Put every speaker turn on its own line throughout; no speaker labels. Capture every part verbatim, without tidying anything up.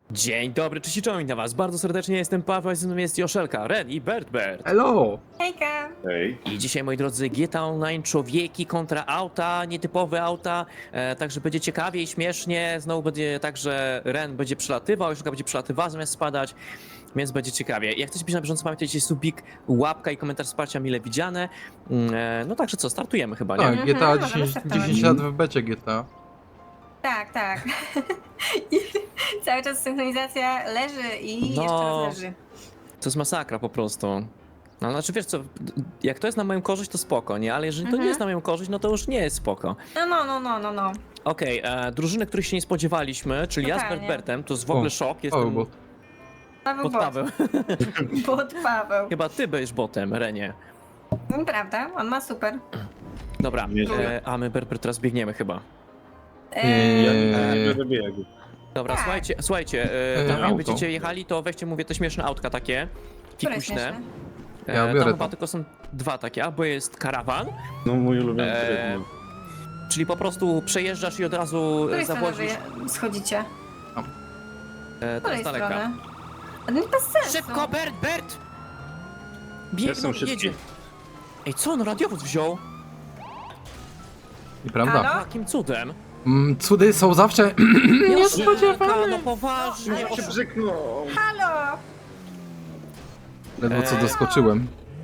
Dzień dobry, cześć i czołem na was. Bardzo serdecznie jestem Paweł, a ze mną jest Joszelka, Ren i Bert Bert.
Hello!
Hejka!
Hej.
I dzisiaj, moi drodzy, G T A Online, człowieki kontra auta, nietypowe auta, e, także będzie ciekawie i śmiesznie. Znowu będzie tak, że Ren będzie przelatywał, Joszelka będzie przelatywała zamiast spadać, więc będzie ciekawie. Jak chcecie być na bieżąco, pamiętajcie, subik, łapka i komentarz wsparcia mile widziane. Mm, E, no także co, startujemy chyba, nie?
Tak,
Mhm,
G T A
możemy
dziesięć,
startować.
dziesięć lat w becie G T A.
Tak, tak. I cały czas synchronizacja leży i
No.
jeszcze raz leży.
To jest masakra po prostu. No, znaczy wiesz co, jak to jest na moją korzyść, to spoko, nie? Ale jeżeli to nie
Mhm.
jest na moją korzyść, no to już nie jest spoko.
No, no, no, no, no, no.
Okej, e, drużyny, których się nie spodziewaliśmy, czyli ja z
Totalnie.
Bertbertem, to jest w ogóle
O,
szok,
O,
jestem
bo
Paweł
pod
bot.
Paweł.
Bot Paweł.
Chyba ty będziesz botem, Renie.
No, prawda, on ma super.
Dobra,
Nieźle.
e, a my Bertbert teraz biegniemy chyba.
Eee,
Ja
Eee.
nie będę biegł.
Dobra,
Tak.
słuchajcie, słuchajcie, e,
E,
tam jak
auto.
będziecie jechali, to weźcie, mówię, te śmieszne autka takie,
które
fikuśne.
śmieszne?
E,
Ja
tam
biorę
chyba
to.
tylko są dwa takie, albo jest karawan,
No mój ulubiony
Eee,
tryb. no.
czyli po prostu przejeżdżasz i od razu
Z
e,
której strony
zawozisz
wy schodzicie?
e,
Z
teraz
której
daleka.
strony? A no bez sensu.
Szybko, Bert, Bert! Biegną,
Jestem szybki.
jedzie. Ej, co on radiowóz wziął?
nieprawda.
Halo?
Jakim cudem?
Mm, cudy są zawsze...
Niespodziewane. No poważnie.
No, ale-
Się brzyknął.
Halo!
Ledwo co
Eee.
doskoczyłem.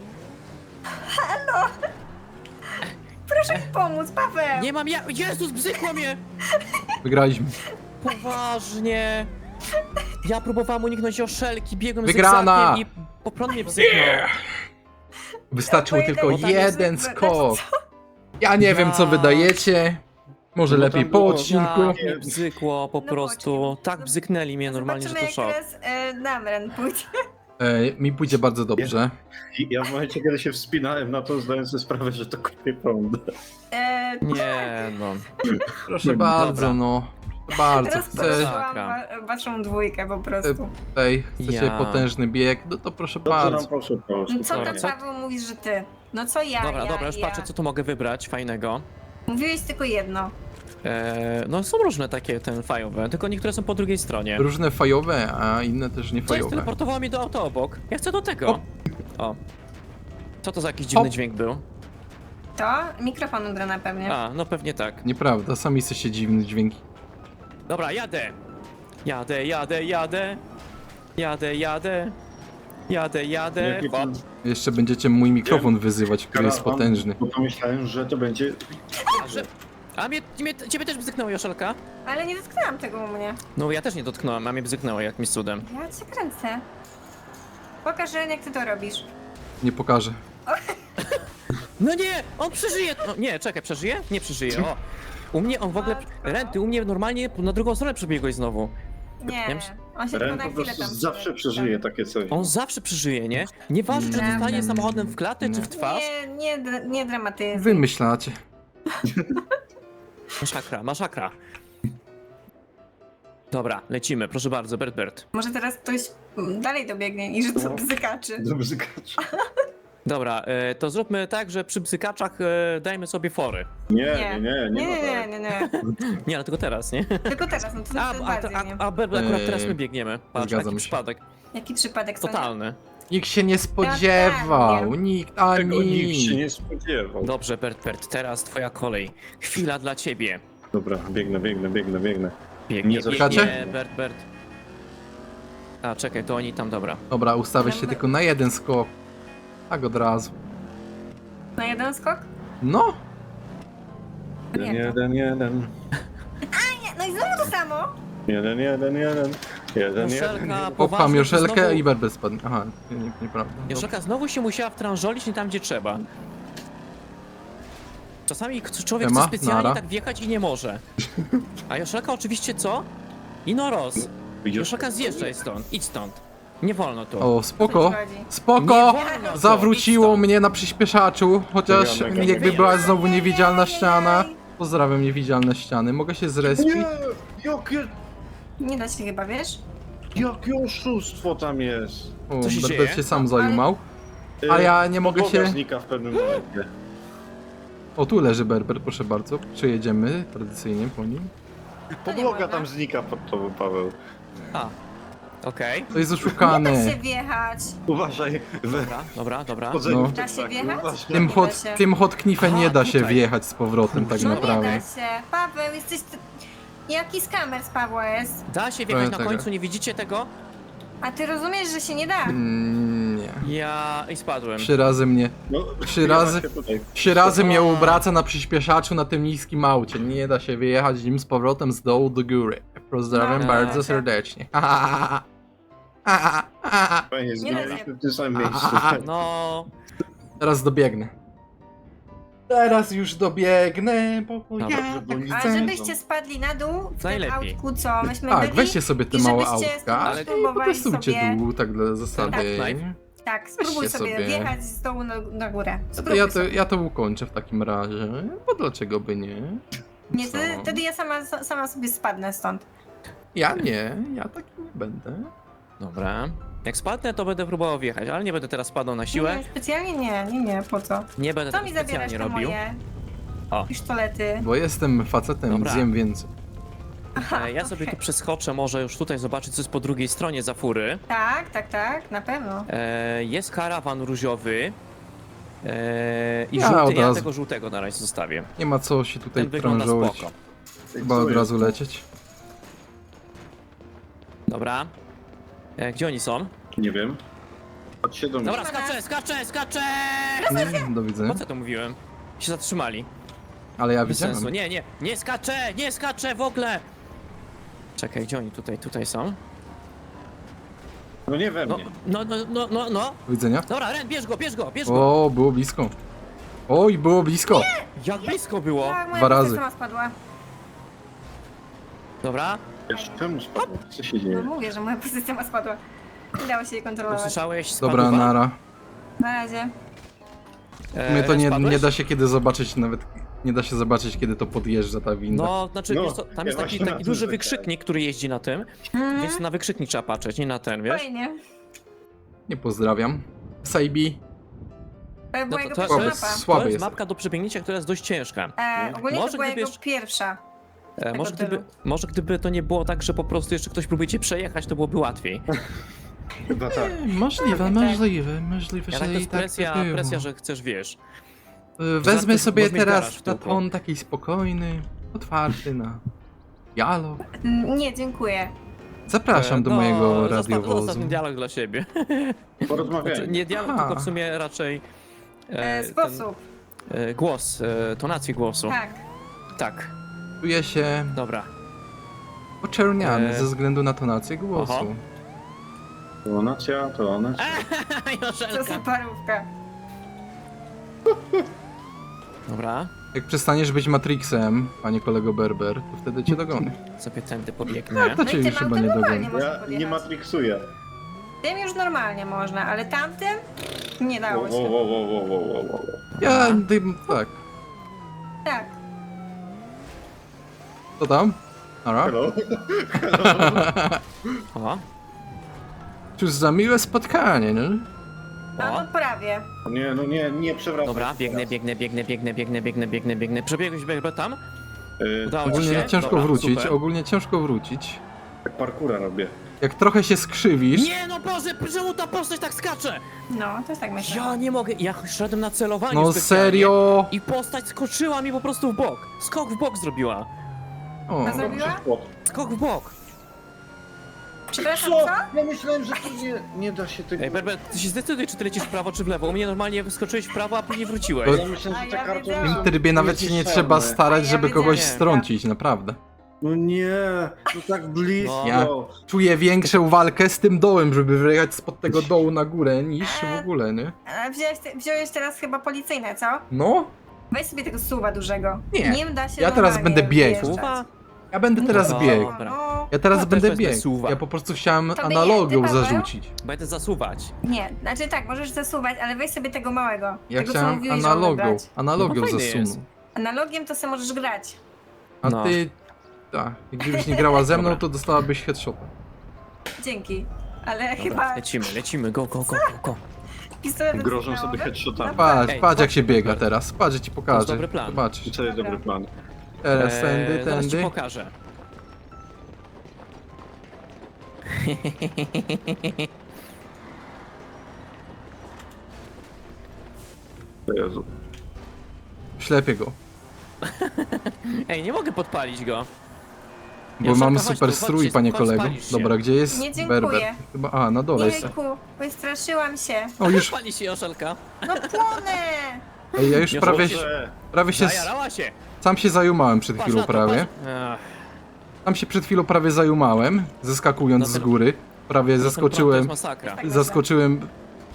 Proszę mi pomóc, Paweł!
Nie mam ja... Jezus, bzykło mnie!
Wygraliśmy.
Poważnie. Ja próbowałem uniknąć Joszelki, biegłem
Wygrana!
zygzakiem i po prostu mnie bzyknął.
Wystarczył
Bo
tylko
jeden-
jeden
znaczy,
skok. Ja nie wiem co
Ja-
wydajecie. Może
No
lepiej
tam
po
było-
odcinku.
Tak mnie bzykło po
No
prostu.
chodźmy.
Tak bzyknęli mnie normalnie, że to
Zobaczymy,
szok.
jak teraz e, nam Ren pójdzie.
E, mi pójdzie bardzo dobrze.
I ja w momencie, kiedy się wspinałem na to, zdałem sobie sprawę, że to kupie prąd.
E,
Nie no.
Proszę
Dobra.
bardzo, no. Proszę bardzo. Chcę
Rozproszyłam
Masakra.
wa waszą dwójkę po prostu.
tutaj, chcecie
Ja.
potężny bieg, no to proszę
Dobrze nam
bardzo.
poszło, poszło.
No co
Dobra,
tam
co-
Paweł mówisz, że ty? No co ja,
Dobra,
ja,
dobra, już
ja.
patrzę, co tu mogę wybrać fajnego.
Mówiłeś tylko jedno.
E, no są różne takie ten fajowe, tylko niektóre są po drugiej stronie.
Różne fajowe, a inne też nie
Co jest,
fajowe.
teleportowało mnie do auta obok. Ja chcę do tego.
O.
O. Co to za jakiś dziwny
Hop.
dźwięk był?
To mikrofon grana pewnie.
A, no pewnie tak.
Nieprawda, sami jesteście dziwne dźwięki.
Dobra, jadę. Jadę, jadę, jadę. Jadę, jadę. Jadę, jadę.
Jaki
Hop.
ten
Jeszcze będziecie mój mikrofon wyzywać, który jest
karawan,
potężny.
Bo pomyślałem, że to będzie...
A, że... A mnie, mnie, ciebie też bzyknęło, Joszelka?
Ale nie dotknęłam tego u mnie.
No ja też nie dotknąłem, a mnie bzyknęło jakimś cudem.
Ja cię kręcę. Pokaż Ren, jak ty to robisz.
Nie pokażę.
No nie, on przeżyje! No nie, czekaj, przeżyje? Nie przeżyje, o. U mnie on w ogóle...
Matko.
Renty, u mnie normalnie na drugą stronę przebiegłeś znowu.
Nie,
Ja myśl-
on się tylko
Ren
na
po
chwilę
prostu
tam...
zawsze przeżyje takie coś.
On zawsze przeżyje, nie? Nieważne, czy
Mm.
dostanie samochodem w klatę, czy w twarz.
Nie, nie, dra- nie dramatyzuj.
Wymyślacie.
Masakra, masakra. Dobra, lecimy, proszę bardzo, Bert Bert.
Może teraz ktoś mm, dalej dobiegnie i że to
No.
bzykaczy.
Do bzykacza.
Dobra, e, to zróbmy tak, że przy bzykaczach e, dajmy sobie fory.
Nie, nie, nie, nie,
nie,
ma
nie,
tak.
nie, nie.
Nie, ale tylko teraz, nie?
Tylko teraz, no to,
A,
to
a,
bardziej,
a,
nie?
a Bert, akurat teraz my
Eee,
biegniemy. Patrz,
zgadzam
jaki
się.
przypadek.
Jaki przypadek, co nie?
Totalny.
Nikt się nie spodziewał, nikt
Tego nikt się
ani.
nie spodziewał.
Dobrze, Bert Bert, teraz twoja kolej. Chwila dla ciebie.
Dobra, biegnę, biegnę, biegnę, biegnę.
Biegnie,
Nie
biegnie,
zaczekacie?
Bert Bert. A, czekaj, to oni tam, dobra.
Dobra, ustawię się
Dobra.
tylko na jeden skok. Tak od razu.
Na jeden skok?
No,
Jeden,
Nie.
jeden, jeden.
Nie, no i znowu to samo.
Jeden, jeden, jeden. Jeden, jeden.
Joszelka,
popcham
poważnie,
Joszelkę
znowu-
i Berber spadnie. Aha, nie, nie, nieprawda. Dobra.
Joszelka znowu się musiała wtrążolić nie tam, gdzie trzeba. Czasami k- człowiek
Ema,
chce specjalnie
nara.
tak wjechać i nie może. A Joszelka oczywiście co? Ino roz. Joszelka zjeżdżaj stąd, idź stąd. Nie wolno tu.
O,
O
spoko,
co ci chodzi?
Nie
spoko!
wolno tu,
Zawróciło
idź stąd.
mnie na przyspieszaczu, chociaż
Mega, mega.
jakby była znowu
Nie, nie,
niewidzialna
nie, nie,
ściana.
nie.
Pozdrawiam niewidzialne ściany. Mogę się zrespić?
Nie! Jakie,
Nie da się chyba, wiesz?
jakie oszustwo tam jest.
O,
Co się
Berber
dzieje?
się sam
Ale-
zajumał. A ja nie mogę
Podłoga
się-
znika w pewnym momencie.
O, tu leży Berber, proszę bardzo. Przejedziemy tradycyjnie po nim.
Podłoga
można.
tam znika pod tobą, Paweł.
A, Okej.
To jest
Nie da się
oszukane.
wjechać.
Uważaj, we
Dobra, dobra, dobra.
wchodzeniu
No.
w
Da się
tak,
wjechać?
uważaj.
Tym
Nie
hot,
da się.
tym hot knifem nie da się
tutaj.
wjechać z powrotem tak
No nie da
naprawdę.
się. Paweł, jesteś... ty- Jaki skamer z Pawła jest?
Da się wjechać
Powiem
na
tak.
końcu, nie widzicie tego?
A ty rozumiesz, że się nie da?
Mm, nie.
Ja... i spadłem.
Trzy razy mnie,
No,
Trzy razy-
się tutaj.
trzy razy mnie
O.
obraca na przyspieszaczu na tym niskim aucie. Nie da się wyjechać nim z powrotem z dołu do góry. Pozdrawiam
No,
bardzo
da się.
serdecznie. Ha, ha, ha, ha, ha, ha, ha.
Fajnie,
Nie da się.
zginęliśmy w tym samym miejscu.
Aha.
No...
Teraz dobiegnę. Teraz już dobiegnę, bo
Dobra,
ja
żeby
tak
oni-
A
chcę.
żebyście spadli na dół w tym
Najlepiej.
autku, co myśmy
Tak,
byli?
weźcie sobie te
I
małe
żebyście
autka, ale
spróbowali
potestujcie
sobie-
dół, tak dla zasady.
Tak,
Tak, spróbuj
Weźcie
sobie,
sobie.
wjechać z dołu na, na górę.
No to
Spróbuj
ja, to,
sobie.
ja to ukończę w takim razie, bo dlaczego by nie?
Nie,
Co?
wtedy, wtedy ja sama, sama sobie spadnę stąd.
Ja nie, ja taki nie będę.
Dobra. Jak spadnę, to będę próbował wjechać, ale nie będę teraz spadał na siłę.
Nie, specjalnie nie, nie, nie, po co?
Nie będę
Co
tego
mi zabierasz
specjalnie
te
robił.
moje
O.
pisztolety?
Bo jestem facetem,
Dobra.
zjem więcej.
E, ja sobie tu przeskoczę, może już tutaj zobaczyć, co jest po drugiej stronie za fury.
Tak, tak, tak, na pewno.
E, jest karawan różowy. E, I
Ja
żółty,
od
ja
razu.
tego żółtego na razie zostawię.
Nie ma co się tutaj
Ten wygląda
krążować.
spoko.
Chyba od razu lecieć.
Dobra. E, gdzie oni są?
Nie wiem. Chodź się do mnie.
Dobra,
Nie ma nas.
skaczę, skaczę, skaczę!
Mm, Do
Po
widzenia.
co to mówiłem? Się zatrzymali.
Ale ja
Bez
widziałem.
sensu. Nie, nie, nie skaczę, nie skaczę w ogóle! Czekaj, gdzie oni tutaj, tutaj są?
No nie we
No,
mnie.
no, no, no, no, no.
Do widzenia.
Dobra, Ren, bierz go, bierz go, bierz go!
O, było blisko. Oj, było blisko.
Jak blisko było!
Tak, moja
Dwa razy.
sama spadła.
Dobra,
Wiesz, czemu spadło? Co się
No
dzieje?
mówię, że moja pozycja ma spadła. Nie dało się jej kontrolować.
usłyszałeś?
Dobra,
Spadła?
nara.
Na razie.
E,
Mnie to
Ren,
nie,
spadłeś?
nie da się kiedy zobaczyć, nawet nie da się zobaczyć, kiedy to podjeżdża ta winda.
No, znaczy,
No,
wiesz co, tam
ja
jest taki,
właśnie na
taki
tym
duży
czekałem.
wykrzyknik, który jeździ na tym,
Mhm.
więc na wykrzyknik trzeba patrzeć, nie na ten, wiesz?
Fajnie.
Nie pozdrawiam. Saibi.
To była
to-
jego
to-
pierwsza
to
mapa.
jest- Słaby
To jest
jest.
mapka do przebiegnięcia, która jest dość ciężka.
E, ogólnie
Może
to była
gdyby
jego
jeszcze-
pierwsza.
E, może,
tylu.
gdyby, może gdyby to nie było tak, że po prostu jeszcze ktoś próbuje cię przejechać, to byłoby łatwiej.
Chyba tak.
E, Możliwe,
tak.
możliwe, możliwe,
Ja
że
tak to
i
jest
tak
presja,
by było.
presja, że chcesz, wiesz.
E, Wezmę
Bo
sobie
możesz mieć garaż
teraz
w
na
tyłku.
ton taki spokojny, otwarty na dialog.
Mm, Nie, dziękuję.
Zapraszam
E,
do
no,
mojego
zostaw-
radiowozu.
Zostaw ten dialog dla siebie. Znaczy,
Porozmawiajmy.
nie dialog,
Aha.
tylko w sumie raczej
E,
e,
sposób.
ten, e, głos, e, tonację głosu.
Tak.
Tak,
Czuję się
dobra.
oczerniany
E.
ze względu na tonację głosu.
Aha.
To ona cia, to ona cia.
Co
Joszelka.
za parówka.
Dobra,
Jak przestaniesz być Matrixem, panie kolego Berber, to wtedy cię dogonię.
sobie tędy pobiegnę.
To
No
cię
i
już
tym
chyba
autem
nie
normalnie
dogonię.
można
Ja nie
podjechać.
matrixuję.
Tym już normalnie można, ale tamtym nie
Wo,
dało
wo,
się.
wo, wo, wo, wo, wo, wo.
Ja, tym, tak.
Tak.
Co tam? Ara?
Hello?
O,
Cóż za miłe spotkanie, no?
A
o.
no prawie.
Nie, no nie, nie przewracaj.
Dobra, biegnę, biegnę, biegnę, biegnę, biegnę, biegnę, biegnę, biegnę. Przebiegłeś Berber tam?
Yy,
Udało ci
Ogólnie
się?
ciężko
Dobra,
wrócić,
super.
ogólnie ciężko wrócić.
tak parkura robię.
Jak trochę się skrzywisz,
Nie no Boże, czemu ta postać tak skacze?
No, to jest tak myślę.
Ja nie mogę, ja szedłem na celowanie
no
specjalnie
serio!
I postać skoczyła mi po prostu w bok. Skok w bok zrobiła.
O,
A zrobiła?
Skok w bok.
Przepraszam, co?
Ja myślałem, że to nie, nie da się tego...
Ej, Berber, ty się zdecyduj, czy ty lecisz w prawo, czy w lewo. U mnie normalnie wyskoczyłeś w prawo, a później wróciłeś.
To-
Ja myślałem,
A
że te
ja
kartony
wiedziałam.
w
są
tym trybie nawet się nie
niezniszczalne.
trzeba starać,
A ja
żeby kogoś
wiedziałem.
strącić, naprawdę.
No nie, to tak blisko.
Ja- Czuję większą walkę z tym dołem, żeby wyjechać spod tego dołu na górę, niż w ogóle, nie?
A wziąłeś, te- wziąłeś teraz chyba policyjne, co?
No,
Weź sobie tego suwa dużego.
Nie.
Nim da się
Ja teraz
normalnie
będę biegł.
wjeżdżać.
Suwa?
ja będę teraz
No,
biegł.
dobra.
No,
Ja teraz
Ja też
będę
wezmę
biegł.
suwa.
Ja po prostu chciałem
To by nie,
analogią
ty, Paweł?
zarzucić.
Będę zasuwać.
nie, znaczy tak, możesz zasuwać, ale weź sobie tego małego.
Ja
tego, co
chciałem
mówiłeś, że mamy
analogią,
brać.
analogią
No fajny
zasunął.
jest.
Analogiem to sobie możesz grać.
A
No.
ty... Tak, gdybyś nie grała ze mną,
Dobra.
to dostałabyś headshota.
Dzięki. Ale
Dobra,
chyba
lecimy, lecimy, go, go, go, go, go.
pistolet
Grożą
jest
sobie
małowy?
headshotami.
Patrz,
Ej,
patrz jak
chodź,
się biega
Berber.
teraz. Patrz, ja ci
To jest
pokażę.
dobry plan.
Zobaczysz.
Co jest
Dobra.
dobry plan?
Teraz tędy,
Eee, zaraz ci
tędy.
pokażę.
Jezu.
Ślepię go.
Ej, nie mogę podpalić go.
Bo
Joszelka,
mamy
chodź
super
tu, chodź
strój,
się,
panie
chodź,
kolego.
spalisz się.
Dobra, gdzie jest
Nie dziękuję.
Berber? Chyba, a, na dole jest.
Jejku, wystraszyłam się.
O, już,
Pali się Joszelka.
No płonę!
ej, ja już
Nie
prawie,
Boże,
prawie się,
Zajarała się.
sam się zajumałem przed
Patrz
chwilą
na to,
prawie.
patrz. Ach,
Tam się przed chwilą prawie zajumałem, zeskakując
No
z
ten-
góry. Prawie
no ten prąd to
zaskoczyłem,
jest masakra.
Tak.
zaskoczyłem.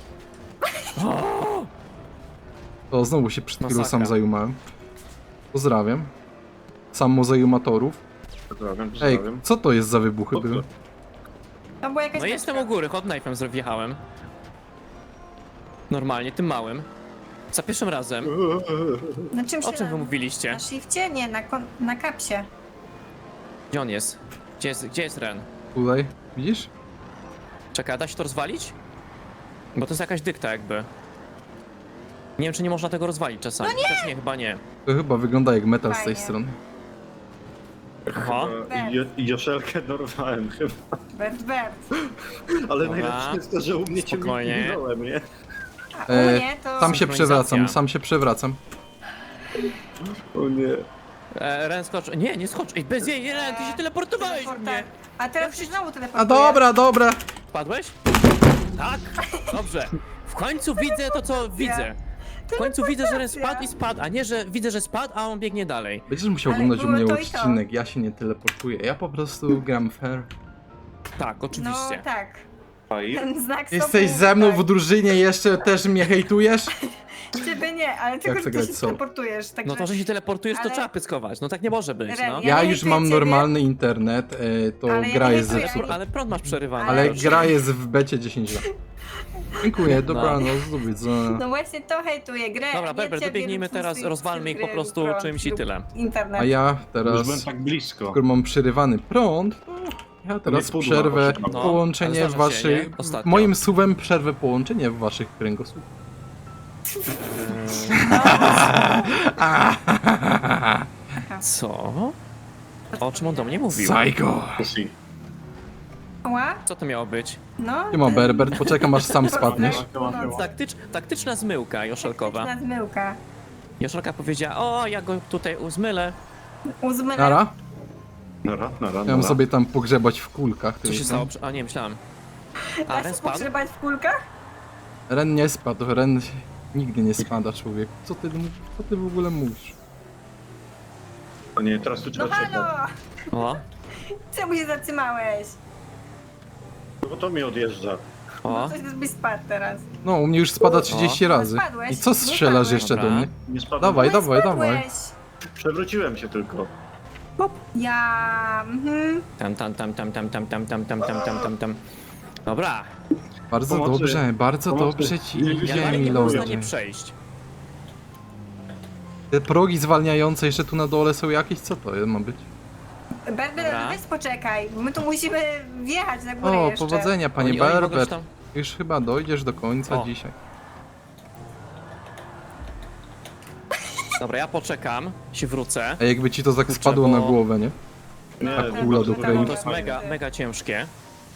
To znowu się przed chwilą sam
Masakra.
zajumałem. Pozdrawiam. Samozajumatorów.
pozdrawiam,
Ej,
pozdrawiam.
co to jest za wybuchy
O,
były?
To była jakaś
No jestem
beczka.
u góry, hot knife'em wjechałem. Normalnie, tym małym. Za pierwszym razem.
Na czym się...
O czym wy mówiliście?
Na shifcie? Nie, na, kon... na kapsie.
Gdzie on jest? Gdzie jest, gdzie jest Ren?
Tutaj, widzisz?
Czekaj, da się to rozwalić? Bo to jest jakaś dykta jakby. Nie wiem, czy nie można tego rozwalić czasami. No nie! Też nie, chyba nie.
To chyba wygląda jak metal z tej
Fajnie.
strony.
Aha.
E, Jo- Joszelkę dorwałem chyba.
Bert, Bert.
Ale
Dobra.
najlepsze jest to, że u mnie cię
Spokojnie.
minąłem, nie?
A u
E,
mnie to...
Sam się
Synchronizacja.
przewracam, sam się przewracam.
O nie.
E, Ren skocz. Nie, nie skocz. Ej, bez jej, Ren, ty się teleportowałeś
Teleporta-
mnie.
A teraz się znowu
A
teleportuje.
dobra, dobra.
Wpadłeś? Tak? Dobrze. W końcu widzę to, co widzę. W końcu widzę, że Ren spadł i spadł, a nie, że widzę, że spadł, a on biegnie dalej.
Będziesz musiał
Ale
oglądać u
było
mnie
to i to.
odcinek, ja się nie teleportuję, ja po prostu gram fair.
Tak,
No
oczywiście.
tak.
Fajnie.
Ten znak
Jesteś
stopu,
ze mną
tak.
w drużynie, jeszcze też mnie hejtujesz?
Ciebie nie, ale tylko,
chcę
że ty
grać
się
solo.
teleportujesz. Także...
No to, że się teleportujesz, to
Ale-
trzeba pyskować. No tak nie może być,
Ren,
no.
Ja
Ja
nie
już
hejtuję
mam
ciebie.
normalny internet, e, to
Ale ja
gra
nie
jest
hejtuję,
zepsuta.
Ale prąd masz przerywany.
Ale
widocznie.
gra jest w becie dziesięć lat. Dziękuję, dobranoc, do widzenia.
No właśnie to hejtuję grę.
Dobra,
nie
Berber,
ciebie
dobiegnijmy
lub
teraz,
twój
rozwalmy ich po
gry,
prostu
prąd
czymś i
lub
tyle.
Internet.
A ja
Już
teraz,
byłem tak blisko.
skoro mam przerywany prąd, to ja teraz
Nie pudła,
przerwę
chodź, no.
połączenie
ale
w
zdarza się,
waszych...
nie? Ostatnio.
Moim suwem przerwę połączenie w waszych kręgosłupach.
Co? O czym on do mnie mówił?
Psycho!
Pussy.
Ła?
Co to miało być?
No.
Nie ma Berbert, poczekam aż sam spadniesz.
Taktycz, taktyczna zmyłka Joszelkowa.
Na zmyłka.
Joszelka powiedziała, o, ja go tutaj uzmylę.
Uzmylę.
Nara?
Nara, nara,
Miałem
nara.
sobie tam pogrzebać w kulkach.
Co
które
się
tam-
stało? A nie, myślałem. A,
Da
Ren
się
spadł?
pogrzebać w kulkach?
Ren nie spadł, Ren nigdy nie spada, człowiek. Co ty, co ty w ogóle mówisz?
O nie, teraz tu
No
trzeba czekać.
halo!
O,
Czemu się zatrzymałeś?
No bo to mi odjeżdża.
o.
Coś byś spadł teraz.
No, u mnie już spada trzydzieści
O.
razy.
Spadłeś.
I co
Nie
strzelasz
spadłeś.
jeszcze do
Dobra.
mnie?
Nie spadłem.
Dawaj,
No i
dawaj,
spadłeś.
dawaj.
Przewróciłem się tylko.
Ja... Mhm.
Tam, tam, tam, tam, tam, tam, tam, tam, tam, tam, tam, tam, tam. Dobra.
Bardzo
Pomocy.
dobrze, bardzo
Pomocy.
dobrze ci
Nie, nie,
idzie,
nie,
Ja
nie,
nie
nie
można
milodzie.
nie przejść.
Te progi zwalniające jeszcze tu na dole są jakieś? Co to ma być?
Berber,
Dobra.
weź poczekaj, bo my tu musimy wjechać na górę
O,
jeszcze.
powodzenia, panie
Oni- oni mogą
Berber.
tam-
Już chyba dojdziesz do końca
O.
dzisiaj.
Dobra, ja poczekam, się wrócę.
A jakby ci to tak
Kurczę,
spadło na
bo-
głowę, nie?
Nie,
Tak,
no,
kula
to-
do
to-
kraju.
To jest mega, mega ciężkie.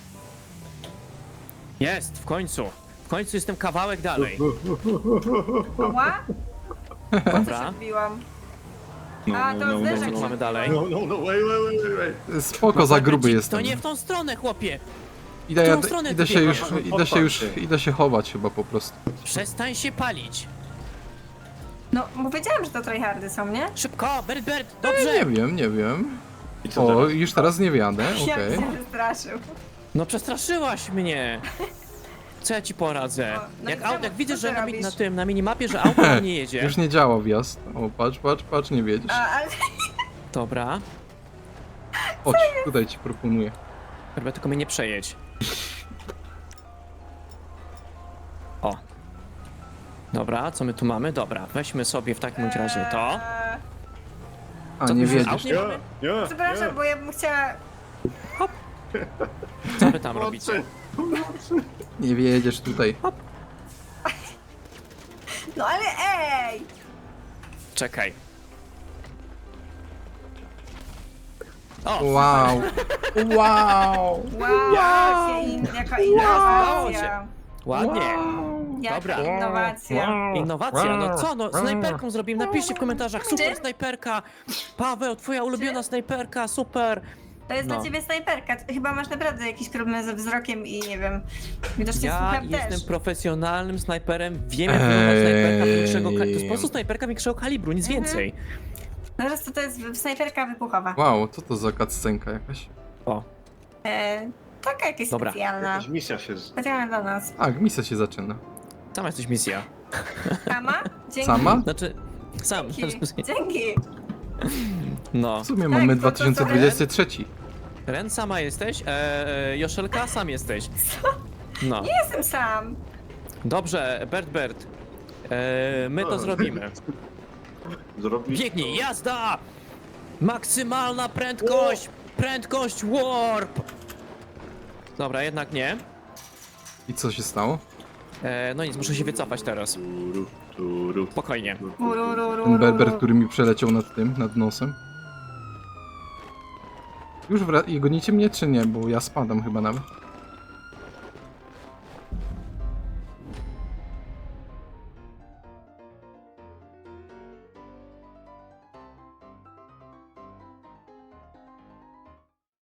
Jest, w końcu. W końcu jestem kawałek dalej.
Ała?
Dobra.
Odbiłam.
No,
A,
no,
to
no,
zderzak
no,
Co
no.
mamy dalej?
No, no, no, wait, wait, wait, wait.
Spoko, za gruby
To
jestem.
nie w tą stronę, chłopie!
Idę,
w
ja,
którą stronę
idę
ty
się już,
biegasz?
idę się już,
Odpal się.
idę się chować chyba po prostu.
Przestań się palić!
No, bo wiedziałam, że to tryhardy są, nie?
Szybko, Bert, Bert,
Nie
dobrze!
wiem, nie wiem.
I co
O,
teraz?
już teraz nie wjadę,
Jak
okej.
się wystraszył.
No przestraszyłaś mnie! Co ja ci poradzę?
O, no
Jak,
i
aut,
czemu?
jak widzę,
Co
że
ty
na, mi-
robisz?
na tym, na minimapie, że auto nam nie jedzie.
Już nie działa wjazd. O, patrz, patrz, patrz, nie wiedziesz.
A, ale...
Dobra.
Chodź, tutaj ci proponuję.
Chyba tylko mnie nie przejedź. O. Dobra, co my tu mamy? Dobra, weźmy sobie w takim bądź razie to.
Eee,
A,
Co
nie
ty już
wiedziesz.
aut nie
Nie,
mamy?
nie,
Przepraszam,
nie.
bo ja bym chciała...
Co wy tam robicie?
Nie wiedziesz tutaj.
No ale ej!
Czekaj. O!
Wow. Wow.
Wow, Jaka
Udało się.
innowacja.
Ładnie.
Jaka
Dobra.
innowacja.
Innowacja, no co, no snajperką zrobimy, napiszcie w komentarzach, super snajperka. Paweł, twoja ulubiona snajperka, super.
To jest
No.
dla ciebie snajperka. Ty chyba masz naprawdę jakiś problem ze wzrokiem i nie wiem. Widocznie
Ja
słucham
jestem
też.
profesjonalnym snajperem, wiem jak wygląda snajperka większego kalibru. To jest po prostu
Ej.
snajperka większego kalibru, nic
Mhm.
więcej.
Zaraz to, to jest snajperka wybuchowa.
Wow, co to za cutscenka jakaś?
O,
E, taka jakaś
Dobra.
specjalna.
Jakaś misja się... z-
Specjalna dla nas.
Tak, misja się zaczyna.
sama jesteś misja.
Sama? Dzięki.
Sama?
Znaczy, sam.
Dzięki. Dzięki.
No.
W sumie
Tak,
mamy
to- to
dwa tysiące dwudziesty trzeci.
Ren, sama jesteś, e, e, Joszelka, sam jesteś. No.
Jestem sam.
Dobrze, Bert Bert. E, my to
O.
zrobimy.
Zrobić
Biegnij,
to.
jazda! Maksymalna prędkość! Prędkość warp! Dobra, jednak nie.
I co się stało?
E, no nic, muszę się wycofać teraz.
Turu, turu.
Spokojnie.
Urururu.
Ten berber, który mi przeleciał nad tym, nad nosem. Już wra- i gonicie mnie czy nie? Bo ja spadam chyba nawet.